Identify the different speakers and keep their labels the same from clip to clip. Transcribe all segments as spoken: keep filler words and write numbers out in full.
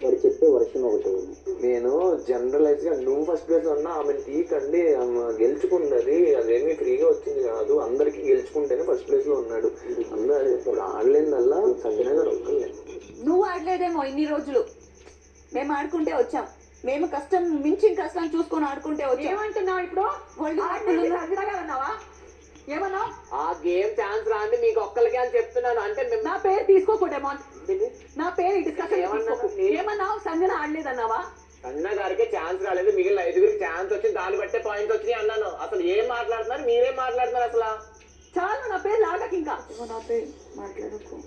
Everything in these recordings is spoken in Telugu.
Speaker 1: వాడు చెప్పే వర్షన్ ఒకటి.
Speaker 2: నేను జనరలైజ్ గా నువ్వు ఫస్ట్ ప్లేస్ లో ఉన్నా ఆమెను తీకండి, ఆమె గెలుచుకున్నది అదేమి ఫ్రీగా వచ్చింది కాదు, అందరికి గెలుచుకుంటేనే ఫస్ట్ ప్లేస్ లో ఉన్నాడు. అందరూ ఇప్పుడు ఆడలేదల్లా సంజన గారు ఒక్కలే.
Speaker 3: నువ్వు ఆడలేదేమో ఇన్ని రోజులు, మేము ఆడుకుంటే వచ్చాం. మేము కష్టం మించిన కష్టం చూసుకొని ఆడుకుంటే వచ్చాం.
Speaker 4: ఏమంటున్నావు ఇప్పుడు?
Speaker 3: అన్నావా? ఏమన్నా
Speaker 2: ఆ గేమ్ ఛాన్స్ రాండి మీకు ఒక్కరికే అని చెప్తున్నాను. అంటే
Speaker 3: నా పేరు తీసుకోకూడేమో, నా పేరు డిస్కషన్ ఏమన్నావు? సంజన ఆడలేదన్నావా?
Speaker 2: అన్న గారికి ఛాన్స్ రాలేదు, మిగిలిన ఐదుగురికి ఛాన్స్ వచ్చింది, దాన్ని బట్టే పాయింట్స్ వచ్చినాయి అన్నాను. అసలు ఏం మాట్లాడుతున్నారు, మీరేం మాట్లాడుతున్నారు అసలు?
Speaker 3: చాలు, నా పేరు లాగకి ఇంకా నా పేరు మాట్లాడకు.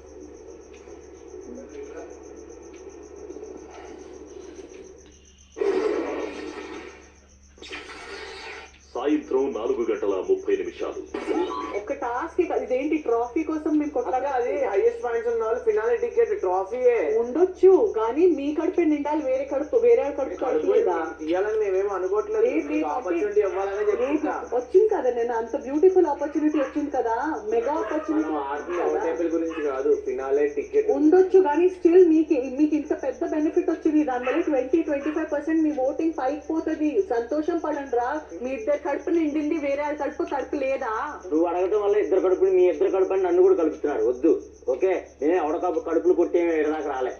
Speaker 5: సాయంత్రం నాలుగు గంటల ముప్పై నిమిషాలు.
Speaker 4: ఒక టాస్క్ ఇదేంటి? ట్రాఫీ కోసం మేము కొట్టగా
Speaker 2: అది హైయెస్ట్ పాయింట్స్ ఉన్న వాళ్ళు ఫినాలే టికెట్ ట్రాఫీయే
Speaker 4: ఉండొచ్చు, కానీ మీ కడుపు నిండాలి, వేరే కడుపు వేరే కడుపు కడుపులేదా
Speaker 2: ఇవ్వాలని మేమేమో అనుకోవట్లేదు. ఆపర్చునిటీ ఇవ్వాలనే చెప్తా.
Speaker 4: వచ్చింది కదా, నేను అంత బ్యూటిఫుల్ ఆపర్చునిటీ వచ్చింది కదా, మెగా ఆపర్చునిటీ
Speaker 2: గురించి కాదు, ఫినాలే టికెట్
Speaker 4: ఉండొచ్చు, కానీ స్టిల్ మీకు మీకు ఇంత పెద్ద బెనిఫిట్ వచ్చింది. దానివల్ల ట్వంటీ ట్వంటీ ఫైవ్ పర్సెంట్ మీ ఓటింగ్ పైకి పోతుంది. సంతోషం పడండి రా, మీ ఇద్దరు కడుపు నిండింది, వేరే కడుపు కడుపు లేదా?
Speaker 1: నువ్వు అడగటం వల్ల ఇద్దరు కడుపుని మీ ఇద్దరు కడుపు అని నన్ను కూడా కలుపుతున్నారు. వద్దు, ఓకే? నేనే అవడకప్పు కడుపులు కొట్టి ఎడదాకా రాలే.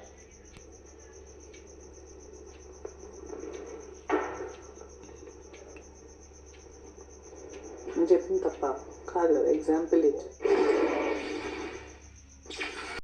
Speaker 4: నేను చెప్పింది తప్ప కాదు కదా, ఎగ్జాంపుల్ ఇచ్చి